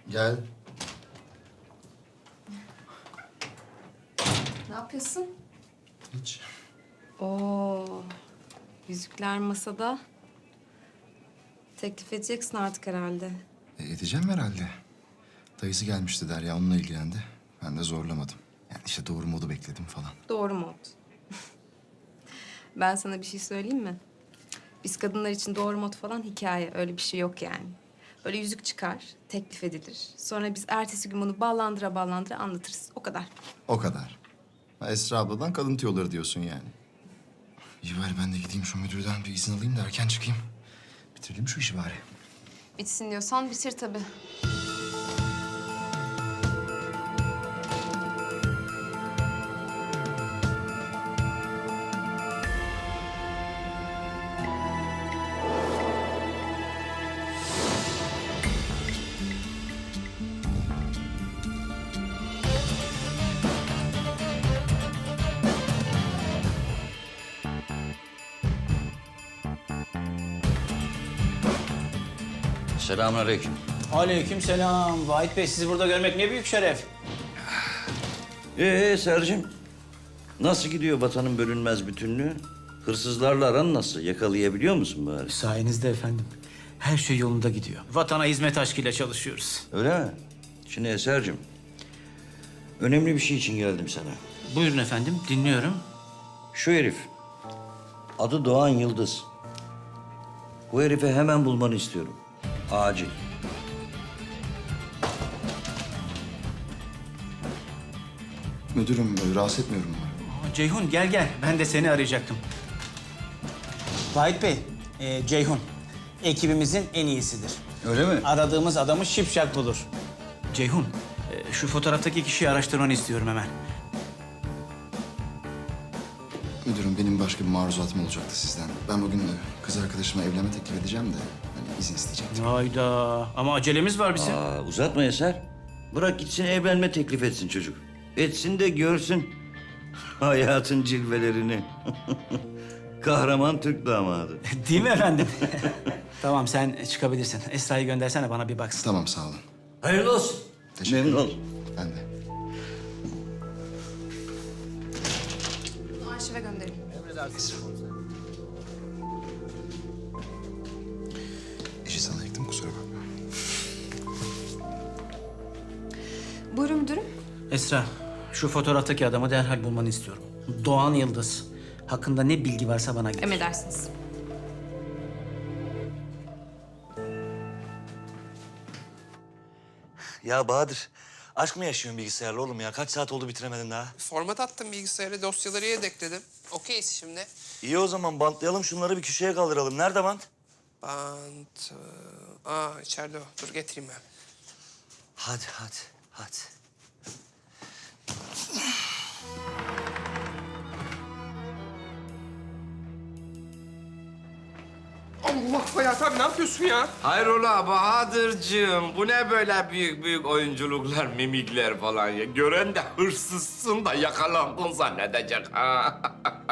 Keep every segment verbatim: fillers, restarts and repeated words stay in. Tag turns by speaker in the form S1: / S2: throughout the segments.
S1: Gel.
S2: Ne yapıyorsun?
S1: Hiç.
S2: Oo, yüzükler masada. Teklif edeceksin artık herhalde.
S1: E, edeceğim herhalde. Dayısı gelmişti Derya, onunla ilgilendi. Ben de zorlamadım. Yani işte doğru modu bekledim falan.
S2: Doğru mod. Ben sana bir şey söyleyeyim mi? Biz kadınlar için doğru mod falan hikaye. Öyle bir şey yok yani. Böyle yüzük çıkar, teklif edilir. Sonra biz ertesi gün bunu ballandıra ballandıra anlatırız. O kadar.
S1: O kadar. Ha, Esra abladan kadın tüyoları diyorsun yani. İyi bari ben de gideyim şu müdürden bir izin alayım da erken çıkayım. Bitirelim şu işi bari.
S2: Bitsin diyorsan bitir tabii.
S3: Selamünaleyküm.
S4: Aleykümselam. Vahit Bey, sizi burada görmek ne büyük şeref.
S3: Ee Sercim, nasıl gidiyor vatanın bölünmez bütünlüğü? Hırsızlarla aran nasıl? Yakalayabiliyor musun bari?
S4: Sayenizde efendim. Her şey yolunda gidiyor. Vatana hizmet aşkıyla çalışıyoruz.
S3: Öyle mi? Şimdi Eser'cim, önemli bir şey için geldim sana.
S4: Buyurun efendim, dinliyorum.
S3: Şu herif, adı Doğan Yıldız. Bu herifi hemen bulmanı istiyorum. Acil.
S1: Müdürüm, e, rahatsız etmiyorum umarım.
S4: Aa, Ceyhun gel gel. Ben de seni arayacaktım. Vahit Bey, e, Ceyhun ekibimizin en iyisidir.
S3: Öyle mi?
S4: Aradığımız adamı şipşak bulur. Ceyhun, e, şu fotoğraftaki kişiyi araştırmanı istiyorum hemen.
S1: Müdürüm, benim başka bir maruzatım olacaktı sizden. Ben bugün e, kız arkadaşıma evlenme teklif edeceğim de hani izin isteyecektim.
S4: Hayda, ama acelemiz var bizim.
S3: Aa, uzatma Eser. Bırak gitsin evlenme teklif etsin çocuk. Etsin de görsün hayatın cilvelerini. Kahraman Türk damadı.
S4: Değil mi efendim? Tamam, sen çıkabilirsin. Esra'yı göndersene, bana bir baksın.
S1: Tamam, sağ olun.
S3: Hayırlı olsun.
S1: Teşekkür
S3: Memnun
S1: ederim.
S3: oldum.
S1: Ben de.
S2: Bunu arşive gönderin.
S1: İşi sana yıktım, kusura bakma.
S2: Buyurun müdürüm.
S4: Esra, şu fotoğraftaki adamı derhal bulmanı istiyorum. Doğan Yıldız. Hakkında ne bilgi varsa bana getir.
S2: Emredersiniz.
S5: Ya Bahadır, aşk mı yaşıyorsun bilgisayarla oğlum ya? Kaç saat oldu bitiremedin daha?
S6: Format attım bilgisayara, dosyaları yedekledim. Okeyiz şimdi.
S5: İyi o zaman bantlayalım şunları bir köşeye kaldıralım. Nerede bant?
S6: Bant... e, Aa içeride o. Dur getireyim ben.
S5: Hadi hadi hadi.
S6: Allah Hayat abi ne yapıyorsun ya?
S7: Hayrola Bahadır'cığım, bu ne böyle büyük büyük oyunculuklar, mimikler falan ya? Gören de hırsızsın da yakalandın zannedecek ha.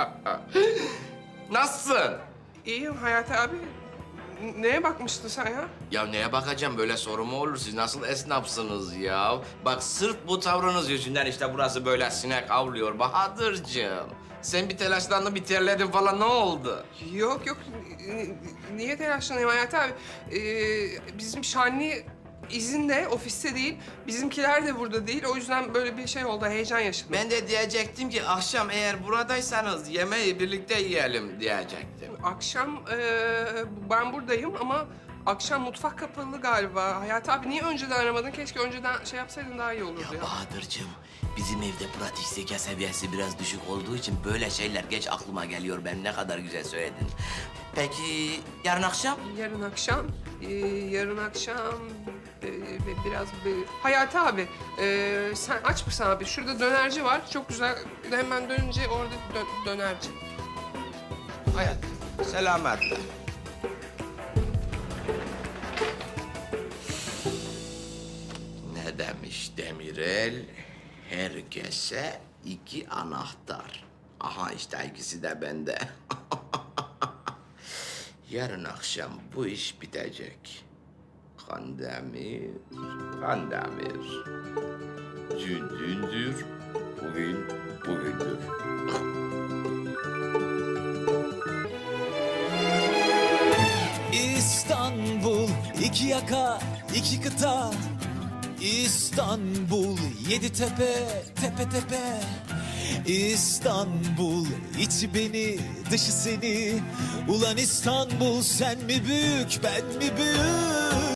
S7: Nasılsın?
S6: İyiyim Hayat abi. N- Neye bakmıştın sen ya?
S7: Ya neye bakacağım, böyle soru mu olur? Siz nasıl esnafsınız ya? Bak sırf bu tavrınız yüzünden işte burası böyle sinek avlıyor Bahadır'cığım. Sen bir telaşlandın, bir terledin falan, ne oldu?
S6: Yok yok. N- Niye telaşlanayım Hayat abi? Ee, bizim Şanlı izinde, ofiste değil. Bizimkiler de burada değil. O yüzden böyle bir şey oldu. Heyecan yaşadım.
S7: Ben de diyecektim ki akşam eğer buradaysanız yemeği birlikte yiyelim diyecektim.
S6: Akşam eee, ben buradayım ama akşam mutfak kapalı galiba. Hayat abi niye önceden aramadın? Keşke önceden şey yapsaydın daha iyi olurdu ya.
S7: Ya Bahadır'cığım, bizim evde pratik zeka seviyesi biraz düşük olduğu için böyle şeyler geç aklıma geliyor. Ben ne kadar güzel söyledin. Peki yarın akşam?
S6: Yarın akşam, eee, yarın akşam eee, bi- biraz bir... Hayati abi, eee, sen aç mısın abi? Şurada dönerci var, çok güzel. Hemen dönünce orada dö- dönerci.
S7: Hayat, selametle. Ne demiş Demirel? Herkese iki anahtar. Aha işte ikisi de bende. Yarın akşam bu iş bitecek. Kandemir, Kandemir. Dün dündür, bugün bugündür.
S8: İstanbul, iki yaka, iki kıta. İstanbul, yedi tepe, tepe tepe. İstanbul, içi beni, dışı seni. Ulan İstanbul, sen mi büyük, ben mi büyük?